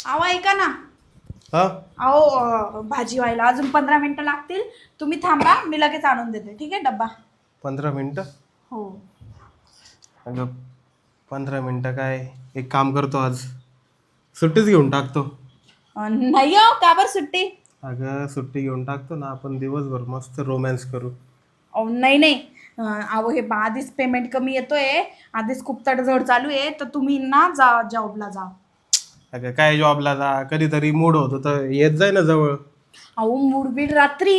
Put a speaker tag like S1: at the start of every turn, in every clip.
S1: अहो ऐका ना.
S2: हा
S1: अहो भाजी व्हायला अजून 15 मिनिटं लागतील. तुम्ही थांबा, मी लगेच आणून देते. ठीक आहे डब्बा.
S2: 15 मिनिटं?
S1: हो.
S2: अगं 15 मिनिटं काय, एक काम करतो, आज सुट्टीच घेऊन टाकतो.
S1: नाही हो, का बरं सुट्टी?
S2: अगं सुट्टी घेऊन टाकतो ना, आपण दिवसभर मस्त रोमॅन्स करू.
S1: अहो नाही नाही. अहो हे आधीच पेमेंट कमी येतोय, आधीच खूप तडजोड चालू आहे, तर तुम्ही ना जा जॉबला जा.
S2: अगं काय जॉबला जा, कधीतरी मूड होतो तर येत जाय ना जवळ.
S1: अहो मूडबीड रात्री.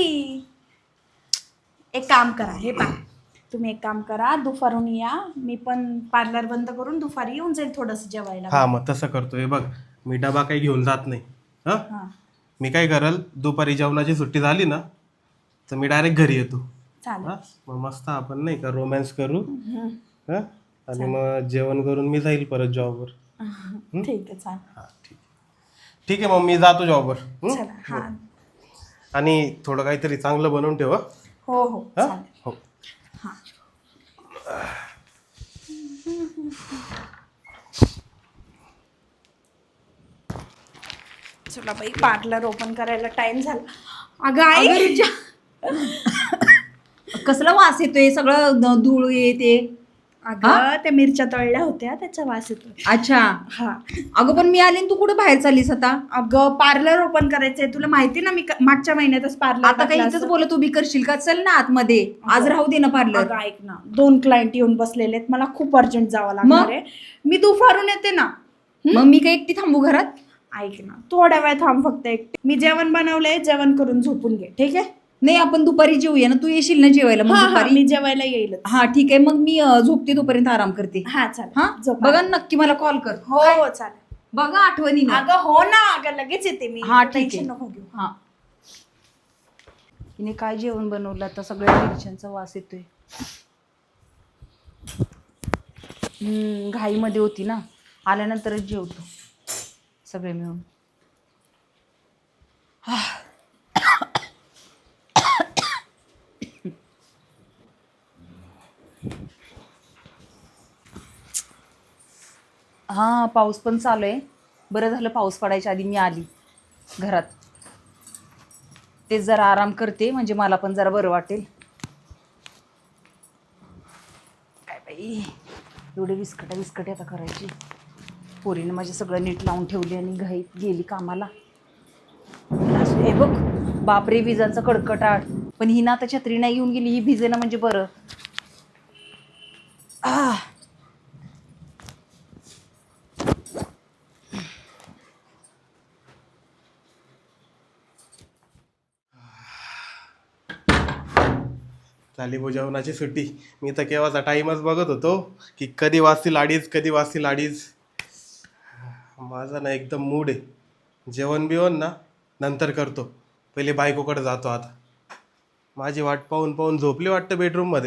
S1: एक काम करा, हे पहा, तुम्ही एक काम करा, दुपारून या. मी पण पार्लर बंद करून दुपारी येऊन जाईल थोडंसं जेवायला.
S2: हा मग तसं करतो. हे बघ, मी डबा काही घेऊन जात नाही. हा,
S1: हां
S2: मी काय करल, दुपारी जेवणाची सुट्टी झाली ना तर मी डायरेक्ट घरी येतो.
S1: चालेल.
S2: हा, मग मस्त आपण नाही का रोमॅन्स करू.
S1: हं.
S2: हा, आणि मग जेवण करून मी जाईल परत जॉबवर.
S1: ठीक आहे चालेल.
S2: हा ठीक आहे. ठीक आहे, मग मी जातो जॉबवर.
S1: चला हां.
S2: आणि थोडं काहीतरी चांगलं बनवून ठेव.
S1: हो हो
S2: हा,
S1: चालेल.
S2: हो.
S1: हां. चला बाई, पार्लर ओपन करायला टाइम झाला. अगं आई.
S3: कसला वास येतोय, सगळं धूळ येते.
S1: अगं त्या मिरच्या तळल्या होत्या, त्याचा वास येतोय.
S3: अच्छा.
S1: हा.
S3: अगं पण मी आली आणि तू कुठे बाहेर चाललीस आता?
S1: अगं पार्लर ओपन करायचंय, तुला माहिती ना, मी मागच्या महिन्यातच पार्लर
S3: आता काही इथंच बोलत उभी करशील का? चल ना आतमध्ये, आज राहू दे ना पार्लर.
S1: अगं ऐक ना, 2 क्लायंट येऊन बसलेले आहेत, मला खूप अर्जंट जावं लागणार आहे. मी दुपारून येते ना.
S3: मग मी काय एकटी थांबू घरात?
S1: ऐक ना, थोड्या वेळ थांब फक्त. मी जेवण बनवलंय, जेवण करून झोपून घे. ठीक आहे?
S3: नाही, आपण दुपारी जेऊया ना, तू येशील ना जेवायला मग
S1: हा हा,
S3: दुपारी?
S1: मी जेवायला येईल.
S3: हा ठीक आहे, मग मी झोपते तोपर्यंत, आराम करते.
S1: हा चालेल.
S3: हा
S1: झोप.
S3: बघा नक्की मला कॉल कर.
S1: हो हो चालेल.
S3: बघा आठवणी ना.
S1: अगं हो ना, अगं लगेच येते मी.
S3: हा
S1: तू
S3: ठीक आहे.
S1: टेन्शन नको घेऊ.
S3: हा. तिने काय जेवण बनवलं आता, सगळ्या मिरच्यांचा वास येतोय. घाईमध्ये होती ना, आल्यानंतरच जेवतो सगळे मिळून. हा, पाऊस पण चालू आहे. बरं झालं पाऊस पडायच्या आधी मी आली घरात. तेच जरा आराम करते, म्हणजे मला पण जरा बरं वाटेल. काय बाई, एवढे विस्कटे आता करायची. पोरीनं माझे सगळं नीट लावून ठेवले आणि घाईत गेली कामाला. हे बघ, बापरे विजांचा कडकटाट. पण ही ना आता छत्री नाही घेऊन गेली, ही भिजे ना म्हणजे बरं.
S2: झाली भाऊ जेवणाची सुट्टी. मी तर केव्हाचा टाईमच बघत होतो की कधी वाजतील अडीच, कधी वाजतील अडीच. माझा ना एकदम मूड आहे. जेवण बिवण ना नंतर करतो, पहिले बायकोकडे जातो. आता माझी वाट पाहून पाहून झोपली वाटतं बेडरूममध्ये.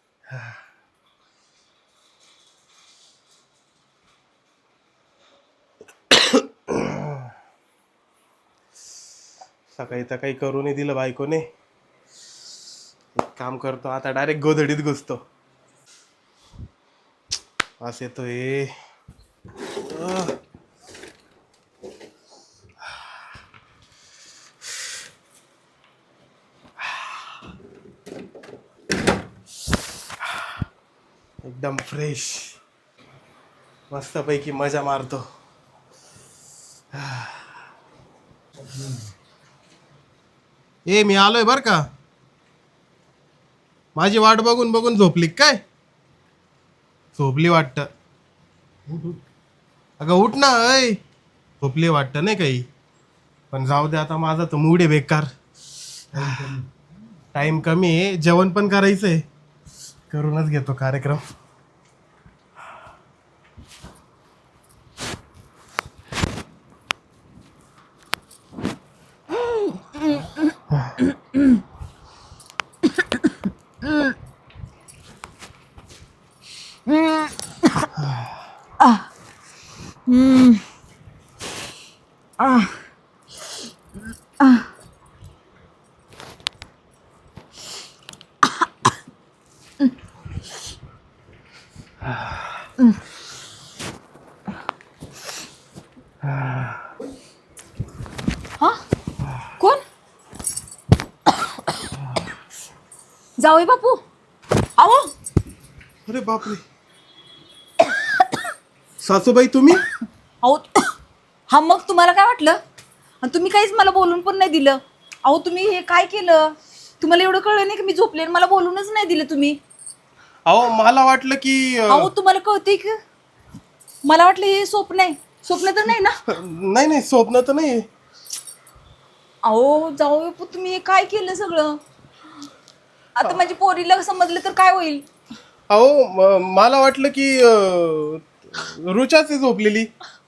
S2: सकाळी तर काही करूनही दिलं बायकोने. एक काम करतो, आता डायरेक्ट गोधडीत घुसतो. वास येतोय. एकदम फ्रेश, मस्तपैकी मजा मारतो. ए मी आलोय बर का. माझी वाट बघून बघून झोपली काय? झोपली वाटतं. अगं उठ ना. अय झोपली वाटतं नाही काही, पण जाऊ दे आता. माझा तर मूड आहे बेकार. टाइम कमी आहे, जेवण पण करायचंय. करूनच घेतो कार्यक्रम.
S3: हा कोण? जावई बापू अहो
S2: अरे बापरे, सासूबाई तुम्ही?
S3: अहो हा मग तुम्हाला काय वाटलं? आणि तुम्ही काहीच मला बोलून पण नाही दिलं. अहो तुम्ही हे काय केलं? तुम्हाला एवढं कळलं नाही की मी झोपले आणि मला बोलूनच नाही दिलं तुम्ही?
S2: अहो मला वाटलं की
S3: अहो तुम्हाला कळतंय की मला वाटलं हे स्वप्न आहे. स्वप्न तर नाही ना?
S2: नाही नाही, स्वप्न तर नाही.
S3: अहो जाऊ बापू तुम्ही हे काय केलं सगळं? आता माझी पोरीला समजलं तर काय होईल?
S2: अहो मला वाटलं की रुचाच आहे झोपलेली.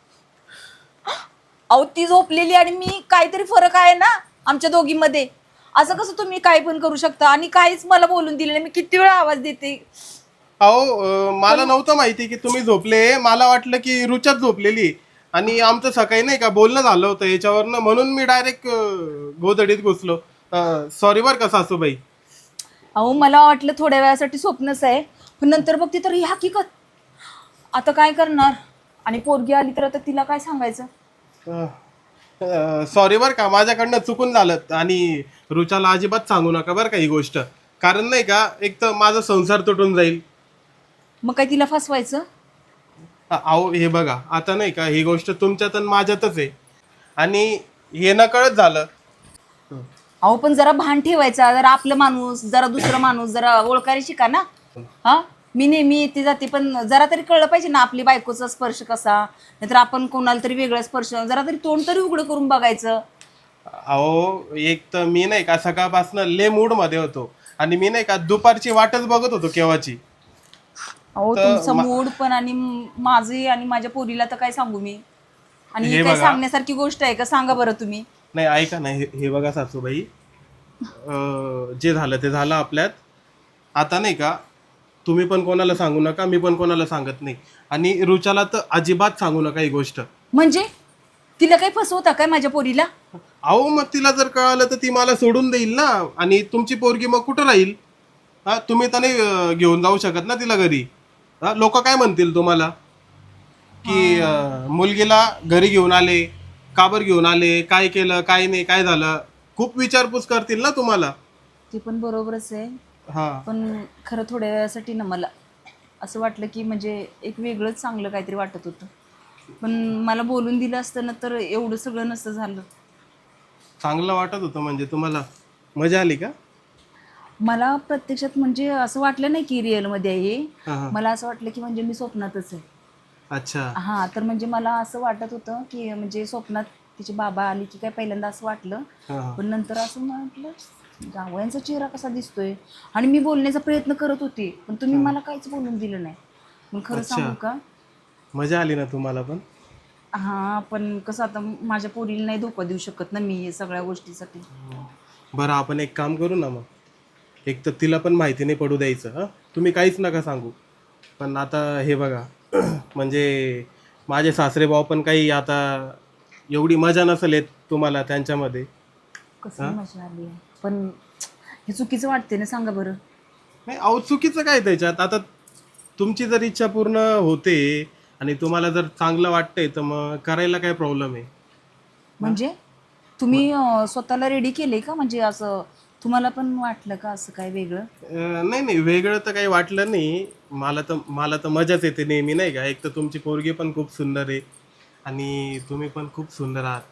S3: अहो ती झोपलेली आणि मी, काहीतरी फरक आहे ना आमच्या दोघींमध्ये. असं कसं तुम्ही काय पण करू शकता आणि काहीच मला बोलून दिलं नाही? मी किती वेळा आवाज देते.
S2: अहो मला नव्हतं माहिती की तुम्ही झोपले. मला वाटलं की रुचाच झोपलेली आणि आमचं सकाळी नाही का बोलणं झालं होतं याच्यावरनं, म्हणून मी डायरेक्ट गोधडीत घुसलो. सॉरी बरं का सासूबाई.
S3: अहो मला वाटलं थोड्या वेळासाठी स्वप्नच आहे, पण नंतर बघते तर ही हकीकत. आता काय करणार? आणि पोरगी आली तर आता तिला काय सांगायचं?
S2: सॉरी बरं का, माझ्याकडनं चुकून झालं. आणि रुचाला अजिबात सांगू नका बरं का ही गोष्ट, कारण नाही का एक तर माझा संसार तुटून जाईल.
S3: मग काय तिला फसवायचं?
S2: अहो हे बघा, आता नाही का ही गोष्ट तुमच्यात आणि माझ्यातच आहे आणि हे नकळत झालं.
S3: अहो पण जरा भान ठेवायचा, जरा आपलं माणूस, जरा दुसरं माणूस, जरा ओळखायला शिका ना. हा मी नेहमी येते जाते, पण जरा तरी कळलं पाहिजे ना आपली बायकोचा स्पर्श कसा, नाहीतर आपण कोणाला तरी वेगळा स्पर्श, जरा तरी तोंड तरी उघडं करून बघायचं.
S2: अहो एक तर मी नाही का सकाळपासून ले मूड मध्ये होतो आणि मी नाही का दुपारची वाटच बघत होतो केव्हाची.
S3: अहो तुमचा मूड पण आणि माझे आणि माझ्या पोरीला तर काय सांगू मी? आणि ही काय सांगण्यासारखी गोष्ट आहे का? सांगा बरं तुम्ही.
S2: नाही ऐका ना, हे बघा सासूबाई, जे झालं ते झालं आपल्यात. आता नाही का तुम्ही पण कोणाला सांगू नका, मी पण कोणाला सांगत नाही, आणि रुचाला तर अजिबात सांगू नका ही गोष्ट.
S3: म्हणजे तिला काही फसवता काय माझ्या पोरीला?
S2: अहो मग तिला जर कळालं तर ती मला सोडून देईल ना, आणि तुमची पोरगी मग कुठं राहील? हा तुम्ही तर नाही घेऊन जाऊ शकत ना तिला घरी. हा लोक काय म्हणतील तुम्हाला की मुलगीला घरी घेऊन आले, काबर घेऊन आले, काय केलं, काय नाही, काय झालं, खूप विचारपूस करतील ना तुम्हाला.
S3: ते पण बरोबरच आहे,
S2: हा
S3: पण खरं थोड्या वेळासाठी ना मला असं वाटलं की म्हणजे एक वेगळंच चांगलं काहीतरी वाटत होतं, पण मला बोलून दिलं असतं ना तर एवढं सगळं नसतं झालं.
S2: चांगलं वाटत होतं म्हणजे तुम्हाला मजा आली का?
S3: मला प्रत्यक्षात म्हणजे असं वाटलं नाही की रिअलमध्ये आहे हे.
S2: हा हा.
S3: मला असं वाटलं की म्हणजे मी स्वप्नातच आहे.
S2: अच्छा.
S3: हां तर म्हणजे मला असं वाटत होतं की म्हणजे स्वप्नात तिचे बाबा आली की काय पहिल्यांदा असं वाटलं,
S2: हा हा.
S3: पण नंतर असं म्हटलं जावयांचा चेहरा कसा दिसतोय, आणि मी बोलण्याचा प्रयत्न करत होते पण तुम्ही मला काहीच बोलून दिलं नाही. मग खरं
S2: अच्छा.
S3: सांगू का?
S2: मजा आली ना तुम्हाला पण?
S3: हां पण कसं आता माझ्या पोरीला नाही धोका देऊ शकत ना मी सगळ्या गोष्टीसाठी.
S2: बरं आपण एक काम करू ना, मग एक तर तिला पण माहिती नाही पडू द्यायचं. हां तुम्ही काहीच नका सांगू. पण आता हे बघा म्हणजे माझे सासरे भाऊ पण काही आता एवढी मजा नसेल येत तुम्हाला त्यांच्यामध्ये.
S3: कसं मजा आली आहे, पण हे चुकीचं वाटते ना, सांगा बरं.
S2: नाही अहो चुकीचं काय त्याच्यात? आता तुमची जर इच्छा पूर्ण होते आणि तुम्हाला जर चांगलं वाटतंय तर मग करायला काय प्रॉब्लेम आहे?
S3: म्हणजे तुम्ही स्वतःला रेडी केले का? म्हणजे असं तुम्हाला पण वाटलं का असं काय वेगळं?
S2: नाही नाही, वेगळं तर काही वाटलं नाही. मला तर मजाच येते नेहमी नाही का. एक तर तुमची पोरगी पण खूप सुंदर आहे आणि तुम्ही पण खूप सुंदर आहात.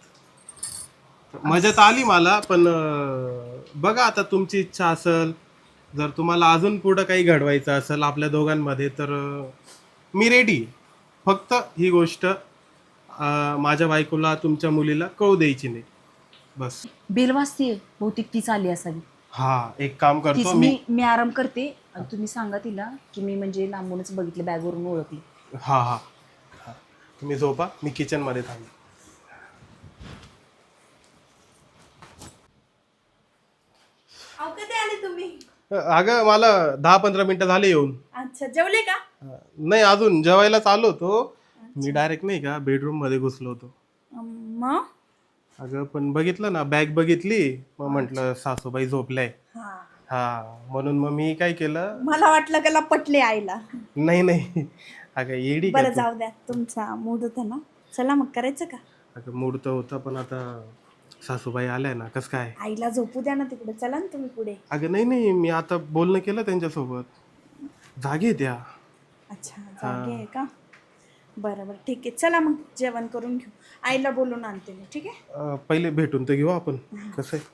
S2: मजा तर आली मला, पण बघा आता तुमची इच्छा असेल, जर तुम्हाला अजून पुढं काही घडवायचं असेल आपल्या दोघांमध्ये तर मी रेडी. फक्त ही गोष्ट माझ्या बायकोला तुमच्या मुलीला कळू द्यायची नाही बस.
S3: बेल वाजतीये, बहुतेक तीच आली असावी.
S2: हा एक काम
S3: तीच.
S2: करतो मी.
S3: मी आराम करते आणि तुम्ही सांगा तिला की मी म्हणजे लांबूनच बघितलं, बॅगवरून ओळखली.
S2: हा हा हा. तुम्ही झोपा, मी किचनमध्ये थांबलो.
S1: कधी आले तुम्ही?
S2: अगं मला 10-15 मिनिटं झाले येऊन.
S1: अच्छा, जेवले का?
S2: नाही अजून जेवायलाच आलो होतो मी. डायरेक्ट नाही का बेडरूम मध्ये घुसलो होतो.
S1: मग
S2: अगं पण बघितलं ना, बॅग बघितली, मग म्हटलं सासूबाई झोपलाय. हा म्हणून मग मी काय केलं.
S1: मला वाटलं त्याला पटले आईला.
S2: नाही नाही अगं येडी का
S1: बरं
S2: तू?
S1: जाऊ द्या, तुमचा मूड होता ना. चला मग करायचं का?
S2: अगं मूड तर होता, पण आता सासूबाई आल्या ना, कसं काय?
S1: आईला झोपू द्या ना तिकडे, चला ना तुम्ही पुढे.
S2: अगं नाही नाही, मी आता बोलणं केलं त्यांच्यासोबत, जागे आहेत त्या.
S1: अच्छा, जागे आहे का? बरं बरं, ठीक आहे, चला मग जेवण करून घेऊ. आईला बोलून आणते मी, ठीक आहे?
S2: पहिले भेटून तर घेऊ आपण, कसं आहे.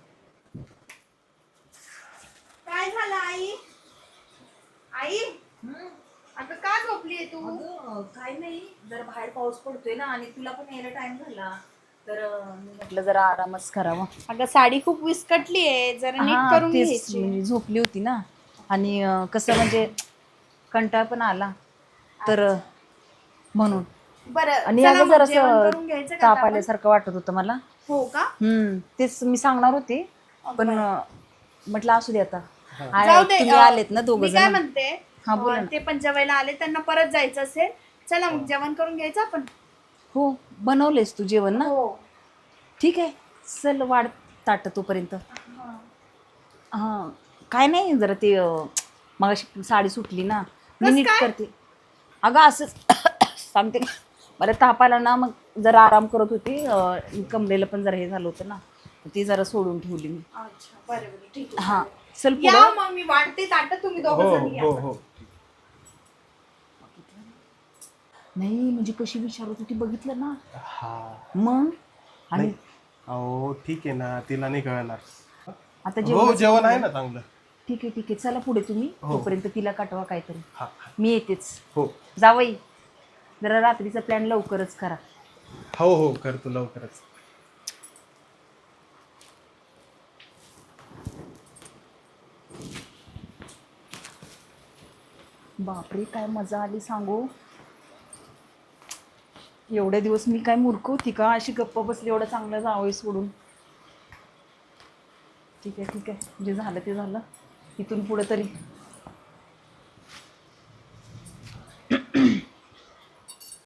S1: काय झालं आई? आई अगं का झोपली तू?
S3: काय नाही, जरा बाहेर पाऊस पडतोय ना आणि तुला पण यायला टाइम झाला, तर मी म्हटलं जरा आरामच करावा.
S1: अगं साडी खूप विस्कटली आहे, जरा नीट
S3: हा,
S1: करून
S3: तेच
S1: घ्यायची.
S3: मी झोपली होती ना आणि कसं म्हणजे कंटाळ पण आला, तर म्हणून.
S1: बरं
S3: आणि
S1: चला
S3: अगं
S1: मग
S3: जरा
S1: जेवण करून घ्यायचं का
S3: ताप
S1: आता आपण?
S3: आल्यासारखं वाटत होतं मला.
S1: हो का?
S3: तेच मी सांगणार होते, पण म्हटलं असू दे आता.
S1: जाऊ दे.
S3: तुम्ही आलेत ना दोघं
S1: मी काय
S3: जण.
S1: म्हणते,
S3: हा, बोला ना.
S1: ते पण जेवायला आले, त्यांना परत जायचं असेल. चला मग जेवण करून घ्यायचं आपण.
S3: हो, बनवलेस तू जेवण ना?
S1: हो.
S3: ठीक आहे, चल वाढ ताट तोपर्यंत. हां, काय नाही, जरा ते मगाशी साडी सुटली ना, मी नीट करते. अगं असंच सांगते, मला ताप आला ना, मग जरा आराम करत होती, कमरेला पण जरा हे झालं होतं ना, ती जरा सोडून ठेवली मी.
S1: अच्छा, बरं बरं, ठीक आहे.
S3: हां, चल
S1: या
S3: पुढं.
S1: मग मी वाटते ताट, तुम्ही
S2: हो
S1: दोघं जण या.
S2: हो हो.
S3: नाही म्हणजे कशी विचारत होती बघितलं ना.
S2: हा
S3: मग आणि
S2: नाही, अहो ठीक आहे ना, तिला नाही कळणार.
S3: आता
S2: हो, जेवण आहे ना चांगलं.
S3: ठीक आहे ठीक आहे, चला पुढे तुम्ही,
S2: हो.
S3: तोपर्यंत तिला काटवा काहीतरी.
S2: हा
S3: मी येतेच.
S2: हो
S3: जावई, जरा रात्रीचा प्लॅन लवकरच करा.
S2: हो हो, करतो लवकरच.
S3: बापरे, काय मजा आली सांगू. एवढे दिवस मी काय मूर्ख होती का, अशी गप्प बसली एवढं चांगलं जावई सोडून. ठीक आहे ठीक आहे, जे झालं ते झालं, इथून पुढे तरी